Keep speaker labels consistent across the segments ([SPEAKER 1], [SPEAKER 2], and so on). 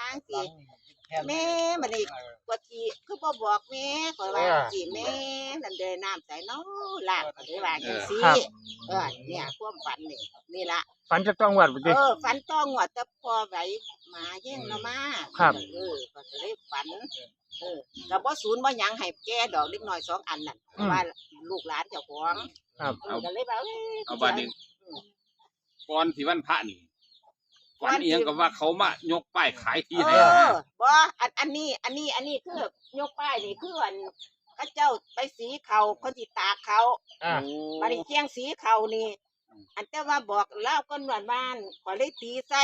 [SPEAKER 1] างสิแม่มันนี่กว่าทีคือบ่บอกแม่ข่อยว่าสิแม่นั่นเด้น้ำใส่น้อล่างก็ได้ว่าจังซี่เนี่ยความฝันนี่ล่ะ
[SPEAKER 2] ฝันจะต้องวัดบ่ติ
[SPEAKER 1] ฝันต้องว่าแต่พอไหวหมาแย่งเรามา
[SPEAKER 2] ครับ
[SPEAKER 1] ก็เลยฝันก็บ่ศูนย์บ่หยังให้แก่ดอกเล็กน้อย2อันนั่นว่าลูกหลานเจ้าของ
[SPEAKER 2] ครับ
[SPEAKER 1] ก็เลยว่า
[SPEAKER 3] เอาบัดนี้ก่อนสิวันพระนี่ฝันอีหยังก็ว่าเขามายกป้ายขายที่ให้
[SPEAKER 1] บ่อันนี้คือยกป้ายนี่คืออันเขาเจ้าไปสีเขาคนสิตากเขาบัดนี้เที่ยงสีเขานี่อันแต่ว่าบอกเล่าก้นหวานบ้านขอเลยตีใส่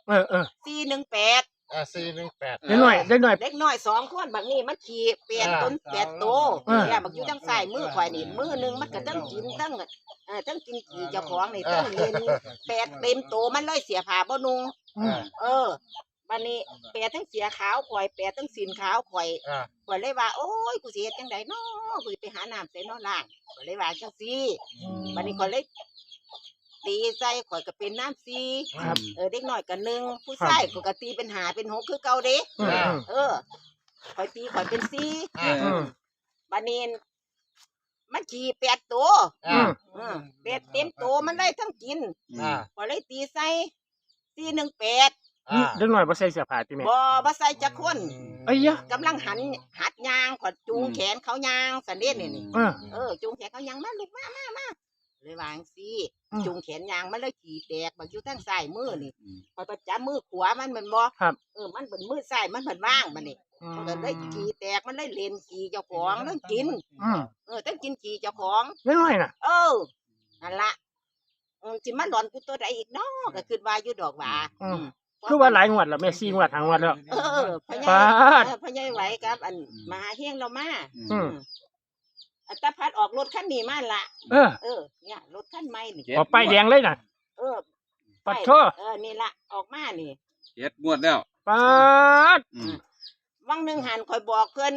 [SPEAKER 1] 418
[SPEAKER 2] 418ได้หน่อยเล็ก
[SPEAKER 1] น้อย2คนบางนี่มันขี่8 ต้น8โตบักอยู่ทางซ้ายมือข่อยนี่มือนึงมันก็ต้องกินต้องกินขี่เจ้าของนี่ต้องเล่น8เต็มโตมันเลยเสียผ้าบ่นุ่งบัดนี้8ทั้งเสียขาวข่อย8ทั้งสินขาวข่อยเลยว่าโอ้ยกูสิเฮ็ดจังได๋น้อกูสิไปหาน้ำใส่น้อล่างข่อยเลยว่าจังซี่บัดนี้ข่อยเลยตีใส่ข่อยก็เป็นน้ำซีเด็กน้อยก็1ผู้ชายก็ตีเป็น5เป็น6คือเก่าเด้ข่อยตีข่อยเป็น4บัดนี้มันขี่8ตัว8เต็มตัวมันได้ทั้งกินข่อยเลยตีใส่418
[SPEAKER 2] เด็กน้อยบ่ใส่เสื้อผ้าติแม่
[SPEAKER 1] บ่ใส่จักคน
[SPEAKER 2] เอ้ย
[SPEAKER 1] กำลังหัดย่างข่อยจูงแขนเขาย่างซั่นเด้นี่จูงแขนเขาย่างมาลูกมาเลยวางซี่จุงแขนยางมันเลยขี่แตกบางอยู่ทางซ้ายมือนี่พอประจับมือขวามันเป็นบ่มันเป็นมือซ้ายมันเป็นว่างมันนี่มันก็เลยขี่แตกมันเลยเล่นขี่เจ้าของต้องกินต้องกินขี่เจ้าของ
[SPEAKER 2] ไม่น้อยน่ะ
[SPEAKER 1] นั่นละสิมาหลอนกูตัวใดอีกเนาะก็คือว่าอยู่ดอกว่า
[SPEAKER 2] คือว่าหลายงวดแล้วแม่4งวด5งวดแล้ว
[SPEAKER 1] พญายไหวครับอันมหาเฮงเรามาตาพัดออกรถคันนี้มาละเนี่ยรถคันใหม่นี่
[SPEAKER 2] ออกป้ายแดงเลยน่ะปัดโท
[SPEAKER 1] นี่ละออกมานี่
[SPEAKER 3] 7งวดแล้ว
[SPEAKER 2] ปัด
[SPEAKER 1] วังนึงหันคอยบอกเพิ่น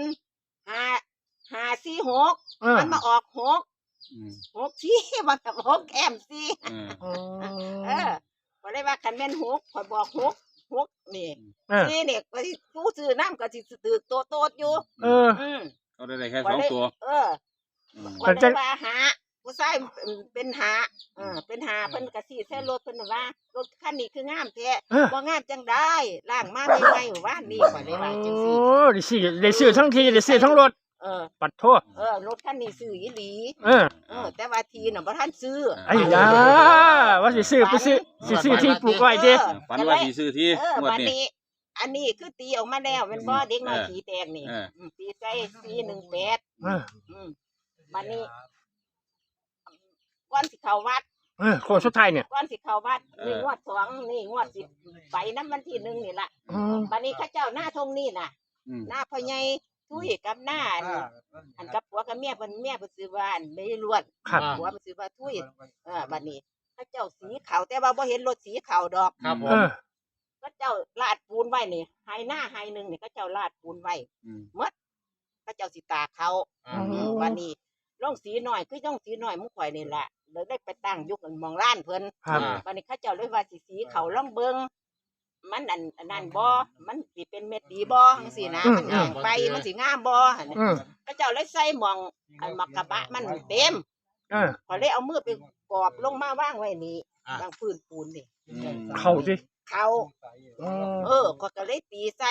[SPEAKER 1] 546มันมาออก6ที่ว่ากับ6แอมซี่บ่ได้ว่าคันแม่น6คอยบอก6นี่นี่เนี่ยก็สิผู้ซื้อน้ำก็สิตึกโตๆอยู่
[SPEAKER 3] เขาได้แค่2ตัว
[SPEAKER 1] ก็ได้ว่าหาผู้ชายเป็นหาเป็นหาเพิ่นก็สิใช้รถเพิ่นว่ารถคันนี้คืองามแท้บ่งามจังได้ล้างมาใหม่ๆว่านี่ก็ได้ว่าจังซี่
[SPEAKER 2] ได้ซื้อทั้งทีได้ซื้อทั้งรถปัดโทษ
[SPEAKER 1] รถคันนี้ซื้ออีหลีแต่ว่าทีน่ะบ่ทันซื้อ
[SPEAKER 2] ไอ้ยาว่าสิซื้อไปซื้อที่ปลูกไว้เด้
[SPEAKER 3] ฝันว่าสิซื้อที่
[SPEAKER 1] งวดนี้อันนี้คือตีออกมาแล้วแม่นบ่เด็กน้อยขี่แตกนี่ตีใส่418บัดนี้ก่อนสิเข้าวัด
[SPEAKER 2] โค้งสุดท้ายเนี่ย
[SPEAKER 1] ก่อนสิเข้าวัดนี่งวด2นี่งวด10ไปนำวันที่1นี่ล่ะบัดนี้เขาเจ้าหน้าทงนี่น่ะหน้าพ่อใหญ่ทุยกับหน้าอันกับผัวกับเมียเพิ่นซื้อว่าอันไม่ล้วนผัวมันซื้อว่าทุยบัดนี้เขาเจ้าสีขาวแต่ว่าบ่เห็นรถสีขาวดอก
[SPEAKER 3] ครับผม
[SPEAKER 1] เขาเจ้าลาดปูนไว้นี่ไห้หน้าไห้นึงนี่เขาเจ้าลาดปูนไว้หมดเขาเจ้าสิตาเขาบัดนี้ลงสีหน่อยคือต้องสีหน่อยมุ้งข่อยนี่แหละเลยได้ไปตั้งยุคมองร้านเพิ่นวันนี้เขาเจ้าเลยว่าสีเขาล่องเบิงมันอันนั้นบ่มันสิเป็นเม็ดดีบ่จังซี่นะมันแห้งไปมันสิงามบ่เขาเจ้าเลยใส่หม่องอันมักกะบะมันเต็มข่อยเลยเอามือไปกอบลงมาวางไว้นี่วางพื้นปูนนี่
[SPEAKER 2] เข้าสิ
[SPEAKER 1] เข้าข่อยก็เลยตีใส่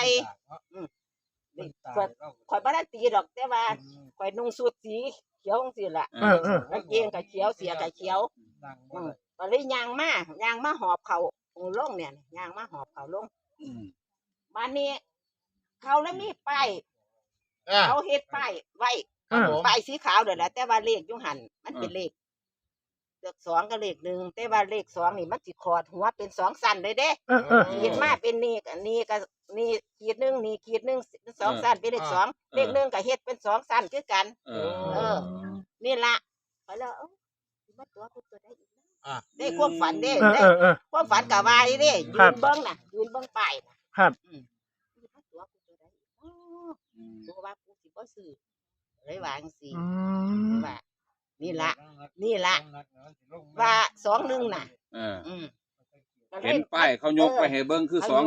[SPEAKER 1] ข่อยบ่ได้ตีดอกแต่ว่าข่อยนุ่งสูทสีเขียวจังซี่ล่ะกางเกงก็เขียวเสียก็เขียวก็เลยย่างมาหอบเขาลงเนี่ยย่างมาหอบเขาลงบัดนี้เขาแล้วมีป้ายเขาเฮ็ดป้ายไว้ป้ายสีขาวเด้อแหละแต่ว่าเลขอยู่หั่นมันเป็นเลข2กับเลข1แต่ว่าเลข2นี่มันสิขอดหัวเป็น2สั้นเลยเด้ขีดมาเป็นนี่ก็นี่ขีด1นี่ขีด1 2สั้นเป็นเลข2เลข1ก็เฮ็ดเป็น2สั้นคือกันนี่ล่ะไปแล้วมาตัวกูตัวได้อีกได้ความฝันเด้ความฝันก็ว่าเด้ยืนเบิ่งน่ะยืนเบิ่งป้าย
[SPEAKER 2] ครับ
[SPEAKER 1] มาตัวกูตัวได้กูว่ากูสิบ่ซื้อเลยว่าจังซี่ว่านี่ล่ะว่า21น่ะ
[SPEAKER 3] เห็นป้ายเขายกไปให้เบิ่งคือ2-1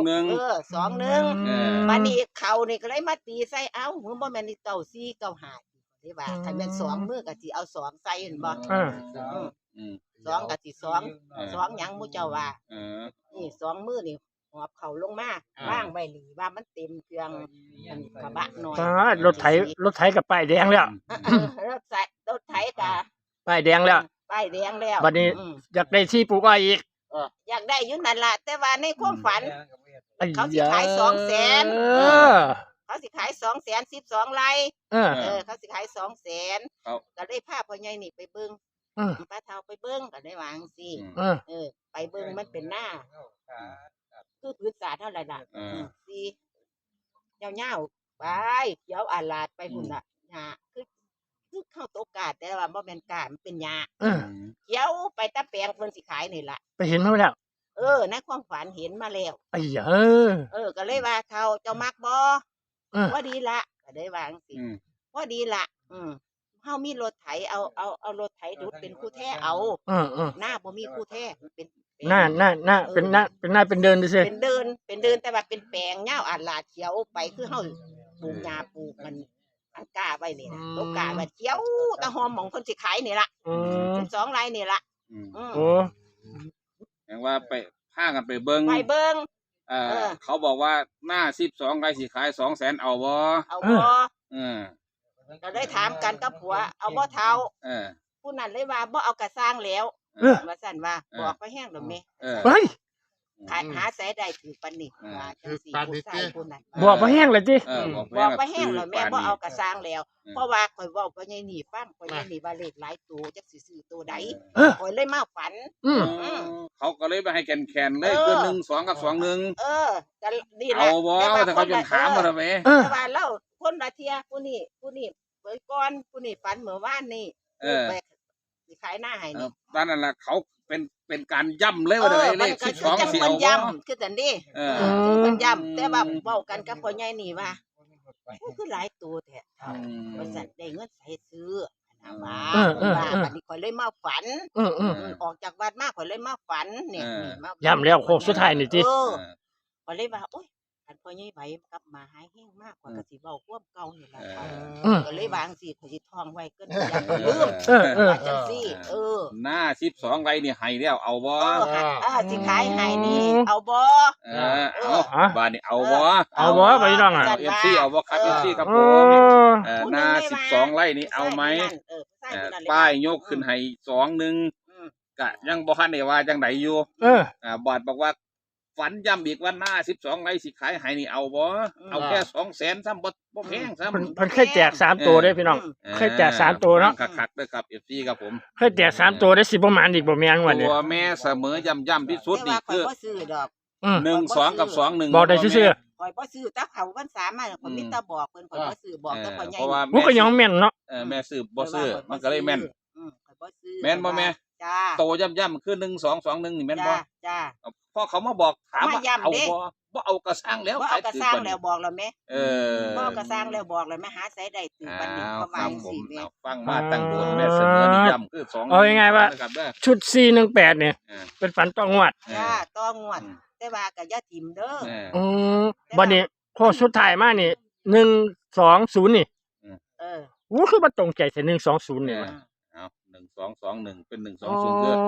[SPEAKER 1] 2-1
[SPEAKER 3] เออ
[SPEAKER 1] บัดนี้เขานี่ก็เลยมาตีใส่เอ้ามึงบ่แม่นนี่เก้า4 9 5ได้ว่าถ้าแม่น2มือก็สิเอา2ใส่เห็นบ่
[SPEAKER 3] อืม
[SPEAKER 1] 2ก็สิ2หยังหมู่เจ้าว่า
[SPEAKER 3] เออ
[SPEAKER 1] นี่2มือนี่หอบเขาลงมาว่างไว้นี่ว่ามันเต็มเครื่องอันกระบะน้อย
[SPEAKER 2] รถไถกับป้ายแดงแล้ว
[SPEAKER 1] รถไถกะ
[SPEAKER 2] ป้ายแดงแล้ว
[SPEAKER 1] ป้ายแดงแล้ว
[SPEAKER 2] บัดนี้อยากได้ที่ปลูกอ้อยอีก
[SPEAKER 1] อยากได้อยู่นั่นล่ะแต่ว่าในความฝัน
[SPEAKER 2] ไอ้
[SPEAKER 1] เขาสิขาย
[SPEAKER 2] ย
[SPEAKER 1] 200,000 เขาสิขาย200,000 12ไร่ เขาสิขาย200,000
[SPEAKER 3] ครับ
[SPEAKER 1] ก็ได้พาพ่อใหญ่นี่ไปเบิ่งป้าเฒ่าไปเบิ่งก็ได้วาจั่งซี่ไปเบิ่งมันเป็นหน้าคือพื้นศาสตร์เท่าไหร่ล่ะสิยาวๆไปเขียวอาลาดไปพุ่นน่ะหญ้าคือเข้าโตกาดแต่ว่าบ่แม่นกาดมันเป็นหญ้าเขียวไปตะแปลงเพิ่นสิขายนี่ล่ะ
[SPEAKER 2] ไปเห็นมาแล้ว
[SPEAKER 1] ในความฝันเห็นมาแล้ว
[SPEAKER 2] ไอ้ยา
[SPEAKER 1] ก็เลยว่าเฒ่าเจ้ามักบ่ว่าดีละก็ได้วาจั่งซี่ว่าดีละเฮามีรถไถเอารถไถดุดเป็นคู่แท้เอาหน้าบ่มีคู่แท้มันเป็น
[SPEAKER 2] หน้าเป็นหน้าเป็นเดินดิซิ
[SPEAKER 1] เป็นเดินแต่ว่าเป็นแปลงยาวอาดลาดเขียวไปคือเฮาปลูกหญ้าปลูกมันกาไว้นี่นะตกกาไว้เขียวตะหอมหม่องเพิ่นสิขายนี่ล่ะ12ไร่นี่ล่ะ
[SPEAKER 2] โอ้
[SPEAKER 3] แปลว่าไปพากันไปเบิ่ง
[SPEAKER 1] ไปเบิ่ง
[SPEAKER 3] เขาบอกว่าหน้า12ไร่สิขาย200,000เอาบ่
[SPEAKER 1] เอาบ่ ก็ได้ถามกันกับผัวเอาบ่เฒ่าผู้นั้นเลยว่าบ่เอากระสร้างแล้วว่าซั่นว่าบอกไปแห้งดอกแม่
[SPEAKER 2] เฮ้ย
[SPEAKER 1] หาใส่ได้ถือปานนี้ว่าจังซี่ผู้ชายผู้นั้น
[SPEAKER 2] บอกบ่แห้งเลยติ
[SPEAKER 1] บอกไปแห้งแล้วแม่บ่เอากระสร้างแล้ว เพราะว่าข่อยเว้าพ่อใหญ่นี่ฟังพ่อใหญ่นี่ว่าเลขหลายตัวจักสิซื้อตัวใดข่อยเลยมาฝัน
[SPEAKER 3] เขาก็เลยไปให้แคนๆเลยคือ1-2กับ2-1
[SPEAKER 1] ก็นี่แหละ
[SPEAKER 3] เอาบ่ถ้าเขาจนถามมาทำไม
[SPEAKER 1] แต่ว่าเราคนละเที่ยผู้นี้เปิดก่อนผู้นี้ฝันเมื่อวานนี่ไปสิขายหน้าให้นี่
[SPEAKER 3] ตอนนั้นล่ะเขาเป็นการย่ำเลยว่าได้เลข12สิเอาบ่
[SPEAKER 1] ย่ำคือจังนี้มันย่ำแต่ว่าเว้ากันกับพ่อใหญ่นี่ว่าคือหลายตัวแท้บริษัทได้เงินใส่ซื้อนะว่าบัดนี้ข่อยเลยมาฝันออกจากวัดมาข่อยเลยมาฝันเนี่ยมา
[SPEAKER 2] ย้ำแล้วโค้งสุดท้ายนี่ติ
[SPEAKER 1] ข่อยเลยว่าโอ๊ยคันพ่อใหญ่ไหวกลับมาหายแห้งมากกว่าก็สิเว้าความเก่านี่ล่ะก็เลยวางสิข่อยสิท่องไว้เกินอย่าลืมว่าจังซี่
[SPEAKER 3] หน้า12ไร่นี่ให้แล้วเอาบ่
[SPEAKER 1] สิขายให้นี่เอาบ่
[SPEAKER 3] เอาบ้านนี่เอาบ่
[SPEAKER 2] เอาบ่ไปน้องอ่ะ
[SPEAKER 3] FC เอาบ่ครับ FC ครับผมหน้า12ไร่นี่เอาไหมป้ายยกขึ้นให้2-1ก็ยังบ่ทันได้ว่าจังไดอยู่บอดบอกว่าฝันย้ำอีกว่าหน้า12ไร่สิขายให้นี่เอาบ่เอาแค่200,000ซ้ำบ่แพงซ้ำ
[SPEAKER 2] เพิ่นเคยแจก3ตัวเด้พี่น้องเคยแจก3ตัวเนาะ
[SPEAKER 3] คักๆเด้อครับ FC ครับผม
[SPEAKER 2] เคยแจก3ตัวได้10ประมาณอีกบ่แม่นวันนี้
[SPEAKER 3] ตัวแม่เสมอย่ำที่สุดนี่คือ
[SPEAKER 1] บ่ซื้อดอก
[SPEAKER 3] 1-2กับ2-1
[SPEAKER 2] บอกได้ซื่อ
[SPEAKER 1] ข่อยบ่ซื้อตาเขาวันสามมาข่อยมีแต่บอกเพิ่นข่อยบ่ซื้อบอกแต่พ่อใหญ่
[SPEAKER 3] เพราะว่า
[SPEAKER 2] ๆผู้ก็ยังแม่นเนาะ
[SPEAKER 3] แม่ซื้อบ่ซื้อมันก็เลยแม่น
[SPEAKER 1] ข่อยบ่ซื้อ
[SPEAKER 3] แม่นบ่แม่
[SPEAKER 1] จ้า
[SPEAKER 3] โตย่ำคือ1-2-2-1นี่แม่นบ่
[SPEAKER 1] จ้า
[SPEAKER 3] พอเขามาบอกถามว่า
[SPEAKER 1] มาย้ำ
[SPEAKER 3] เอา
[SPEAKER 1] เด้
[SPEAKER 3] บ่เอากระสังแล้ว
[SPEAKER 1] บ่เอากระสร้างแล้วบอกแล้วแม่ บ่เอากระสร้างแล้วบอกแล้วแม่หาใส่ได้ถือปานนี้ประมาณ4เมตร
[SPEAKER 3] ฟังมาตั้งโดนแม่เสมอนี่ย่ำคือ2
[SPEAKER 2] เอาง่ายๆว่าชุด418เนี่ยเป็นฝันต้องงวด
[SPEAKER 1] จ้าต้องงวด แต่ว่าก็อย่าทิ่มเด้อ
[SPEAKER 2] บัดนี้โค้งสุดท้ายมานี่120นี่โอ้คือบ่ตรงใจแต่120นี่ว่ะ
[SPEAKER 3] เอา1221เป็น120เด้อ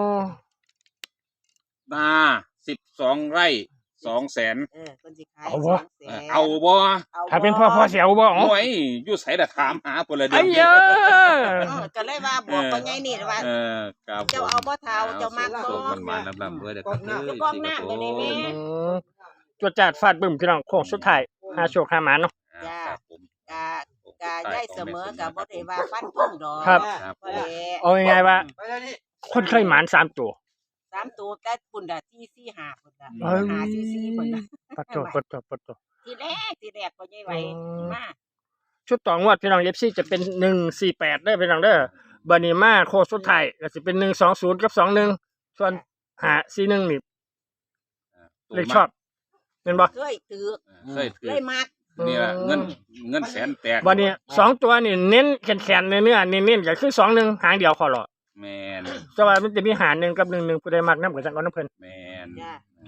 [SPEAKER 3] นา12ไร่200,000
[SPEAKER 1] เพิ่นสิขาย
[SPEAKER 3] เอาบ่
[SPEAKER 2] ถ้าเป็นพ่อเสียวบ่อ๋อ
[SPEAKER 3] โอ้ยอยู่ไสล่ะถามหาพุ่นละเดื
[SPEAKER 2] ไอ้เยอะ
[SPEAKER 1] ก็เลยว่าบอกพ่อใหญ่นี่ว่า
[SPEAKER 3] ครับ
[SPEAKER 1] เจ้าเอาบ่เฒ่าเจ้ามักบ่
[SPEAKER 3] ส่งมันมาลำๆเด้อครับ
[SPEAKER 1] กองน้ำไปนี่แม่
[SPEAKER 2] จวดจาดฟาดบึ้มพี่น้องโค้งสุดท้ายหาโชคหาหมาเนาะ
[SPEAKER 3] ครับผม
[SPEAKER 1] กะได้เสมอกับบ่ได้ว่าฟันธงดอก
[SPEAKER 2] ครับ
[SPEAKER 1] บ่ได้
[SPEAKER 2] เอาง่ายๆว่าคนเคยหมาน3ตัว
[SPEAKER 1] 3ตัวแต่ปุ่นน่ะ4 4 5ปุ่นน่ะ
[SPEAKER 2] เอ้ย
[SPEAKER 1] 5 4 4ปุ่นน่ะ
[SPEAKER 2] ปัดโต
[SPEAKER 1] ทีแรกพ่อใหญ่ไหวมา
[SPEAKER 2] ชุดต่องวดพี่น้อง FC จะเป็น148เด้อพี่น้องเด้อบัดนี้มาโค้งสุดท้ายก็สิเป็น120กับ21ส่วน541นี่เลขชอบเป็นบ่
[SPEAKER 1] เคยถือ
[SPEAKER 3] เคยถือ
[SPEAKER 1] เลยมัก
[SPEAKER 3] นี่ล่ะเงินแสนแตก
[SPEAKER 2] บัดนี้2ตัวนี่เน้นแข็งๆเนื้อๆเน้นๆก็คือ21หางเดียวขอรอ
[SPEAKER 3] แม่น
[SPEAKER 2] แต่ว่ามันจะมีหาร1กับ11ผู้ใดมักนำก็จังเอานำเพิ่น
[SPEAKER 3] แม่น
[SPEAKER 1] จ้า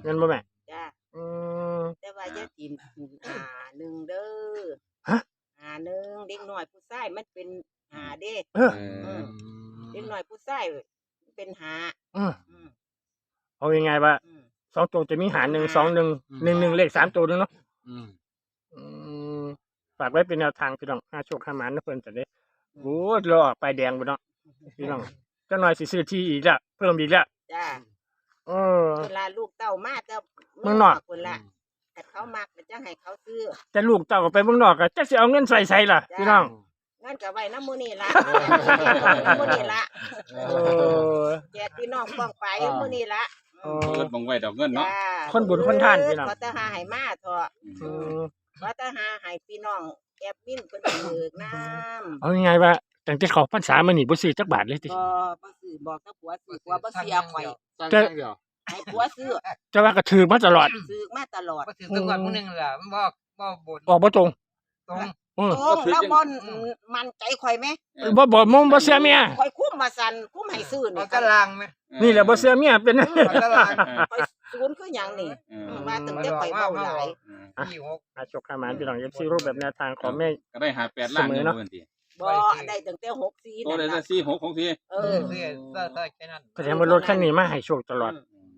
[SPEAKER 2] เงินบ่แม่
[SPEAKER 1] จ้า
[SPEAKER 2] อืม
[SPEAKER 1] แต่ว่าจะกินหนึ่งเด้อ
[SPEAKER 2] ฮะ
[SPEAKER 1] หนึ่งเด็กน้อยผู้ชายมันเป็นเด้
[SPEAKER 2] เออ
[SPEAKER 1] เด็กน้อยผู้ชายเป็นอืม
[SPEAKER 2] เอายังไงว่า
[SPEAKER 1] อืม
[SPEAKER 2] 2ตัวจะมีหาร1 2 1 1 1เลข3ตัวนึงเนาะ
[SPEAKER 4] อืม
[SPEAKER 2] อืมฝากไว้เป็นแนวทางพี่น้องหาโชคหาหมานนะเพิ่นจะได้โอ้ยรอป้ายแดงบ่เนาะพี่น้องจักหน่อยสิซื้อที่อีกละเพิ่มอีกละ
[SPEAKER 1] จ้า
[SPEAKER 2] เออ
[SPEAKER 1] เวลาลูกเต้ามาจะ
[SPEAKER 2] เมืองนอก
[SPEAKER 1] คนละแต่เขามักก็จะให้เขาซื้อ
[SPEAKER 2] แต่ลูกเต้าก็ไปเมืองนอกก็จักสิเอาเงินใส่ล่ะพี่น้อง
[SPEAKER 1] งั้นก็ไว้น้ำมูนี่ละน้ำมูนี่ละ
[SPEAKER 2] เออ
[SPEAKER 1] แจกพี่น้องป้องไปมูนี่ละ
[SPEAKER 2] เอ
[SPEAKER 3] เกิดบังไว้ดอกเงินเนาะ
[SPEAKER 1] จ้า
[SPEAKER 2] คนบุญคนทานพี่น้อง
[SPEAKER 1] เขาจะหาให้มาเถอะ
[SPEAKER 2] เออ
[SPEAKER 1] เขาจะหาให้พี่น้องแอบมินเพิ่นเบิกน้ำ
[SPEAKER 2] เอายังไงว่าตั้งแต่เขาพรรษามานี่บ่ซื้อจักบาทเลยติ
[SPEAKER 1] บ่ซื้อบอกกับผัวซื้อผัวบ่เสียข่อย
[SPEAKER 2] จะ
[SPEAKER 1] ให้ผัวซื้อ
[SPEAKER 2] จะว่าก็ถือมาตลอด
[SPEAKER 1] ซื้อมาตลอด
[SPEAKER 4] มาถึงตะกอนมื้อนึงล่ะมันบ่บ่บน
[SPEAKER 2] ออกบ่ตรง
[SPEAKER 4] ตรง
[SPEAKER 2] เออ
[SPEAKER 1] โอ้แล้วบ่มันใจข่อยไหม
[SPEAKER 2] บ่มงบ่เชื่อเมีย
[SPEAKER 1] ข่อยคุ้มมาสั่นคุ้มให้ซื้อ
[SPEAKER 4] เอา
[SPEAKER 1] นี่
[SPEAKER 4] ตารางไหม
[SPEAKER 2] นี่แหละบ่เชื่อเมียเป็น
[SPEAKER 4] เอาตาราง
[SPEAKER 1] ข่อยศูนย์คือหยังนี่ว่าตั้งแต่ข่อยเว้าหลาย
[SPEAKER 4] ที่6
[SPEAKER 2] หาโชคหาหมานพี่น้อง FC รูปแบบแนวทางของแม่
[SPEAKER 3] ก็ได้8 ล้านอยู่เพิ่นติ
[SPEAKER 1] บ่ได้ตั้งแต่64
[SPEAKER 3] โตได้
[SPEAKER 1] นั่น
[SPEAKER 3] แต่
[SPEAKER 1] ล่ะ
[SPEAKER 3] 46ของพี่
[SPEAKER 1] เอ
[SPEAKER 4] เอ
[SPEAKER 1] อ
[SPEAKER 4] อเสื้อแค่นั้น
[SPEAKER 2] แสดงว่ารถคันนี้มาให้โชคตลอด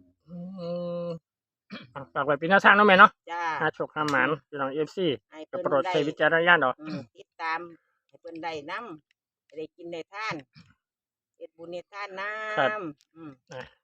[SPEAKER 2] ฝากไว้เป็นแนวทางเนาะแม่เนาะ
[SPEAKER 1] จ้า
[SPEAKER 2] หาโชคหาหมานพี่น้อง FC
[SPEAKER 1] ให้
[SPEAKER 2] ก็
[SPEAKER 1] เพิ่น
[SPEAKER 2] โปรด
[SPEAKER 1] ได้
[SPEAKER 2] ใช้วิจารณญาณเอา
[SPEAKER 1] ติดตามให้เพิ่นได้นำได้กินได้ทานเฮ็ดบุญเฮ็ดทานนำ
[SPEAKER 2] ครับ
[SPEAKER 1] อืม